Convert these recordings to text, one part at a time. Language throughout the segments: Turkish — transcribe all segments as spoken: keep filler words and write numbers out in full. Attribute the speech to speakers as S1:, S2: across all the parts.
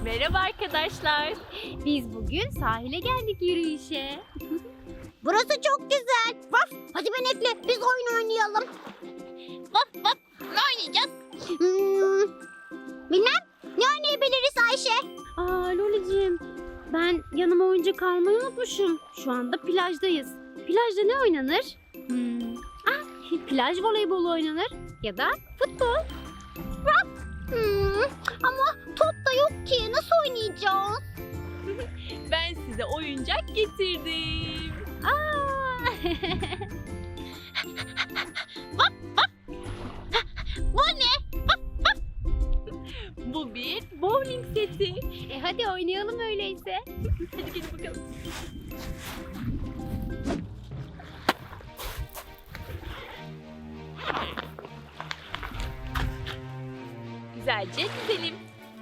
S1: Merhaba arkadaşlar. Biz bugün sahile geldik yürüyüşe.
S2: Burası çok güzel. Vaf, hadi Benekli biz oyun oynayalım.
S1: Vaf vaf, ne oynayacağız?
S2: Hmm, bilmem, ne oynayabiliriz Ayşe?
S1: Aa Lolicim, ben yanıma oyuncak almayı unutmuşum. Şu anda plajdayız. Plajda ne oynanır? Hmm. Ah, plaj voleybolu oynanır ya da futbol.
S2: Hmm, ama top da yok ki, nasıl oynayacağız?
S1: Ben size oyuncak getirdim. Aa!
S2: Bu ne?
S1: Bu bir bowling seti. E hadi oynayalım öyleyse. Hadi gelin bakalım. Güzelce dizelim.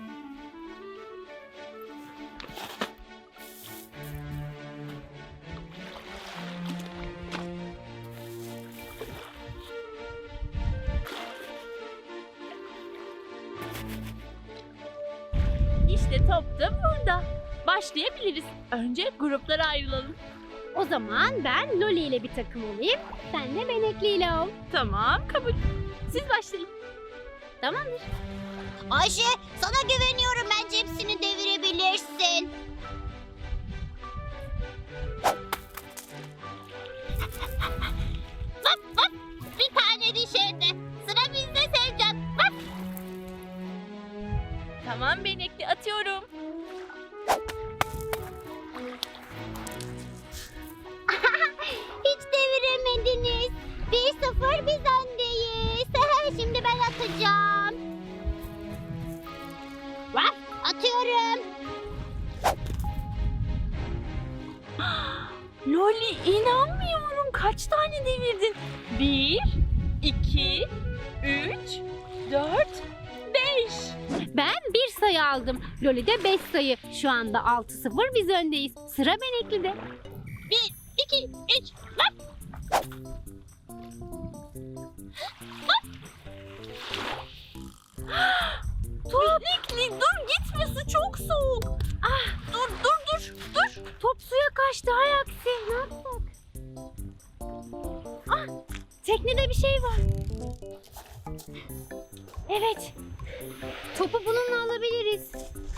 S1: İşte top da burada. Başlayabiliriz. Önce gruplara ayrılalım. O zaman ben Loli ile bir takım olayım. Sen de Benekli ile ol. Tamam, kabul. Siz başlayın. Tamamdır.
S2: Ayşe, sana güveniyorum, bence hepsini devirebilirsin. Vaf vaf, bir tane düşerdi. Sıra bizde Sevcan. Vaf.
S1: Tamam Benekli, atıyorum.
S2: Hiç deviremediniz. Bir sıfır biz öndeyiz. Şimdi ben atacağım. Vaf, atıyorum.
S1: Loli, inanmıyorum. Kaç tane devirdin? Bir, iki, üç, dört, beş. Ben bir sayı aldım. Loli de beş sayı. Şu anda altı sıfır biz öndeyiz. Sıra Benekli'de.
S2: Bir, iki, üç. Vaf.
S1: Benekli dur, gitme, su çok soğuk. Ah, dur dur dur dur. Top suya kaçtı, hay aksi. Ne yapsak? Ah, teknede bir şey var. Evet. Topu bununla alabiliriz.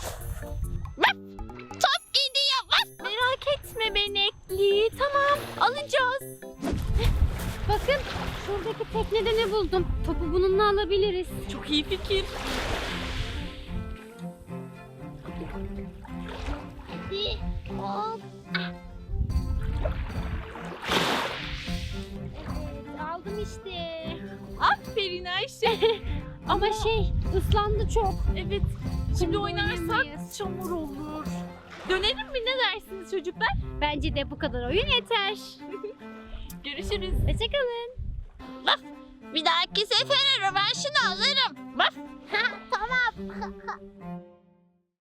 S2: Top gidiyor. Vaf.
S1: Merak etme Benekli. Tamam, alacağız. Bakın, şuradaki teknede ne buldum. Topu bununla alabiliriz. Çok iyi fikir.
S2: Hadi. Hop.
S1: Evet, aldım işte. Aferin Ayşe. Ama şey, ıslandı çok. Evet, şimdi oynarsak çamur olur. Dönelim mi, ne dersiniz çocuklar? Bence de bu kadar oyun yeter. Görüşürüz. Hoşçakalın.
S2: Bir dahaki sefere rövanşını alırım. Vaf. Tamam.